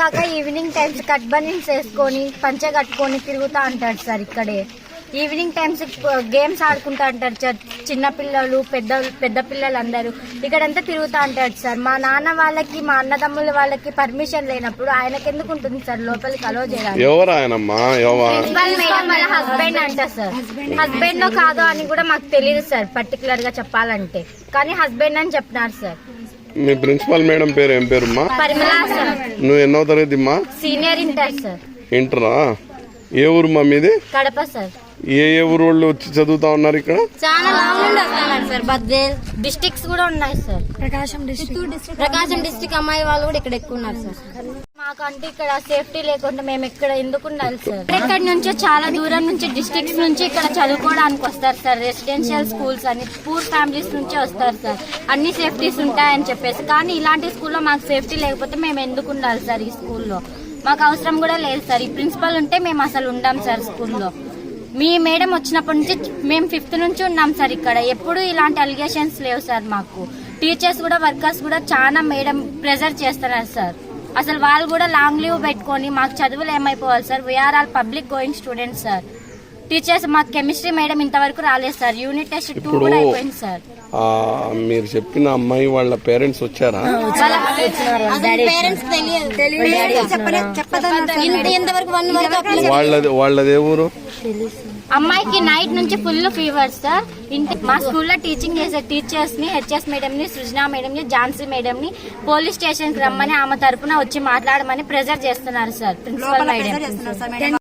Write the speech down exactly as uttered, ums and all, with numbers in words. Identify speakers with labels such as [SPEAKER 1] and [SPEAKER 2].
[SPEAKER 1] కాక evening times cut banians వేసుకొని పంచ కట్టుకొని తిరుగుతా అంటాడు సార్. ఇక్కడే ఈవినింగ్ టైమ్స్ గేమ్స్ ఆడుకుంటా అంటారు సార్. చిన్న పిల్లలు పెద్ద పెద్ద పిల్లలు అందరూ ఇక్కడంతా తిరుగుతా అంటాడు సార్. మా నాన్న వాళ్ళకి మా అన్నదమ్ముల వాళ్ళకి పర్మిషన్ లేనప్పుడు ఆయనకి ఎందుకు ఉంటుంది సార్ లోపలికి అలో చేయడానికి? ప్రిన్సిపల్ మేడం వాళ్ళ హస్బెండ్ అంట సార్. హస్బెండ్ కాదో అని కూడా మాకు తెలియదు సార్ పర్టికులర్ గా చెప్పాలంటే, కానీ హస్బెండ్ అని చెప్పినారు సార్.
[SPEAKER 2] మీ ప్రిన్సిపల్ మేడం పేరు ఏం పేరుమ్మా?
[SPEAKER 1] పరిమళ సార్.
[SPEAKER 2] నువ్వు ఎన్నో తరగతి అమ్మా?
[SPEAKER 1] Senior inter sir.
[SPEAKER 2] ఇంటరా? ఏ ఊరు మా మీది?
[SPEAKER 1] కడప సార్.
[SPEAKER 2] ఏ ఏ ఊరు వాళ్ళు వచ్చి చదువుతా ఉన్నారు ఇక్కడ?
[SPEAKER 1] చాలా లాంగ్ నుండి వస్తున్నారు సార్. బద్వేల్ డిస్ట్రిక్ట్స్ కూడా ఉన్నాయి sir. Prakasam district Prakasam district అమ్మాయి వాళ్ళు కూడా ఇక్కడ ఎక్కువ ఉన్నారు సార్. మాకంటే ఇక్కడ సేఫ్టీ లేకుండా మేము ఇక్కడ ఎందుకు ఉండాలి సార్? ఇక్కడ నుంచి చాలా దూరం నుంచి డిస్ట్రిక్ట్స్ నుంచి ఇక్కడ చదువుకోవడానికి వస్తారు సార్. రెసిడెన్షియల్ స్కూల్స్ అని పూర్ ఫ్యామిలీస్ నుంచి వస్తారు సార్. అన్ని సేఫ్టీస్ ఉంటాయని చెప్పేసి, కానీ ఇలాంటి స్కూల్లో మాకు సేఫ్టీ లేకపోతే మేము ఎందుకు ఉండాలి సార్? ఈ స్కూల్లో మాకు అవసరం కూడా లేదు సార్. ఈ ప్రిన్సిపల్ ఉంటే మేము అసలు ఉండాం సార్ స్కూల్లో. మీ మేడం వచ్చినప్పటి నుంచి మేము ఫిఫ్త్ నుంచి ఉన్నాం సార్ ఇక్కడ. ఎప్పుడు ఇలాంటి అలిగేషన్స్ లేవు సార్. మాకు టీచర్స్ కూడా వర్కర్స్ కూడా చాలా మేడం ప్రెజర్ చేస్తున్నారు సార్. అసలు వాళ్ళు కూడా లాంగ్ లీవ్ పెట్టుకొని మాకు చదువులు ఏమైపోవాలి sir? We are all public going students sir. Teachers మాకు కెమిస్ట్రీ మేడం ఇంతవరకు రాలేదు సార్. యూనిట్ టెస్ట్ టూ కూడా అయిపోయింది సార్.
[SPEAKER 2] మీరు చెప్పిన అమ్మాయి వాళ్ళ పేరెంట్స్ వచ్చారా? వాళ్ళది వాళ్ళదే ఊరు?
[SPEAKER 1] అమ్మాయికి నైట్ నుంచి ఫుల్ ఫీవర్ సార్. ఇంటి మా స్కూల్లో టీచింగ్ చేసే టీచర్స్ ని, హెచ్ఎస్ మేడం ని, సృజనా మేడం ని, ఝాన్సీ మేడం ని పోలీస్ స్టేషన్ కి రమ్మని ఆమె తరపున వచ్చి మాట్లాడమని ప్రెజర్ చేస్తున్నారు సార్ ప్రిన్సిపల్ మేడం.